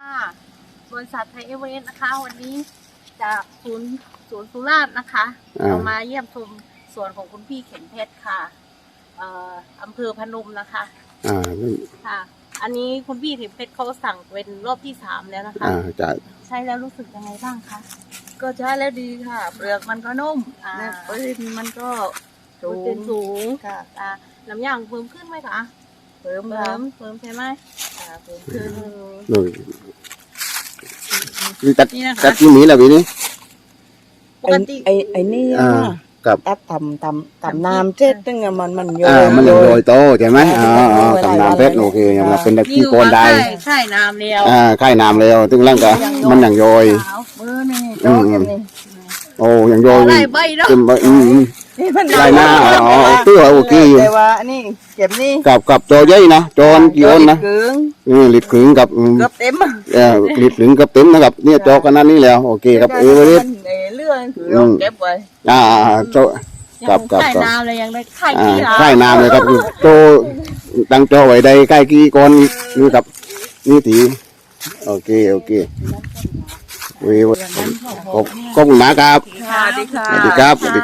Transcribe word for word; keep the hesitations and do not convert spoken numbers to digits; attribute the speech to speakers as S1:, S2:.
S1: ค่ะบริษัทไทยเอเวอเรสต์นะคะวันนี้จากศูนย์ศูนย์สุราษฎร์นะคะเรามาเยี่ยมชมสวนของคุณพี่เข็มเพชรค่ะเอ่ออำเภอพนมนะคะ
S2: อ่า
S1: ค่ะ อันนี้คุณพี่เข็มเพชรเขาสั่งเป็นรอบที่สามแล้วนะคะ
S2: อ่าจะ
S1: ใช้แล้วรู้สึกยังไงบ้างคะ
S3: ก็ใช้แล้วดีค่ะ เปลือกมันก็นุ่ม
S1: อ่า
S3: เนี่ยปริมาณมันก็สู
S1: เป็น
S3: ง
S1: สูง
S3: ค่ะ
S1: อ่าน้ำยางเพิ่มขึ้นไหมคะ
S3: เพิ่ม
S1: เพิ่
S3: ค่ะ
S1: มเพิ่มใช่ไหม
S3: อ่าเพิ่มขึ้น
S2: ดูนี่ตัด
S1: นี่นะคะ
S2: ตัดที่นี้แหละวีนี้
S1: ปกติ
S3: ไอ้ไอ้นี่
S2: อ่า
S3: อะ
S2: กับ
S3: ตัดทำทำทำน้ำเจ็ดตึงอะมันมันโย
S2: อ่ามันยังโรยโตใช่ไหม
S3: อ่า
S2: อ๋ออ๋อ
S3: มันโรย
S2: ตำนานเพชร
S3: หลายวัน
S2: โอเคยังรับเป็นตะ
S1: นี่
S2: กี้
S1: คือ
S2: โกน
S1: ว่า
S2: ได้
S1: ใช่ใช่น้ำเดียว
S2: อ่าค่ายน้ำแล้วตึงล่างก็มันยังโยย
S1: ขาว
S3: มือนี่
S2: อื
S3: โจ๊
S2: ม
S3: กอย่างนี้
S2: โอ้ยังโยย
S1: อะไรใบเนาะ
S2: ขึ้นไปอืมอืม
S3: นี่มัน
S2: ลายหน้าอ๋อตัวโอเคอยู่
S3: แต่ว่าอันนี้เก็บนี่
S2: กับกับโจเย้ยนะโจนกี่โอนนะ
S3: เกลือง
S2: อืมลิดขึงกับอืม
S3: เกือบเต็มอะ
S2: เออลิดขึงกับเต็มนะครับเนี่ยโจกันนั้นนี่แล้วโอเคครับเอเวอเรสต์
S3: มันในเรื่องคือเราเก็บไว้
S2: อ่าอ่าโจ
S1: ยัง
S2: กับกับ
S1: ไข่
S2: กับ
S1: น้ำเลยยังได้ไข่
S2: อ่า
S1: ขี้เหรอ
S2: ใต้น้ำเลยครับโจตั้งโจไว้ใดใกล้กี่ก้อนนี่ครับนี่ตีโอเคโอเคเว้ยขอบขอบคุณมากครับ
S3: ค่ะดีค่ะ
S2: สวัสดีครับสวัสดี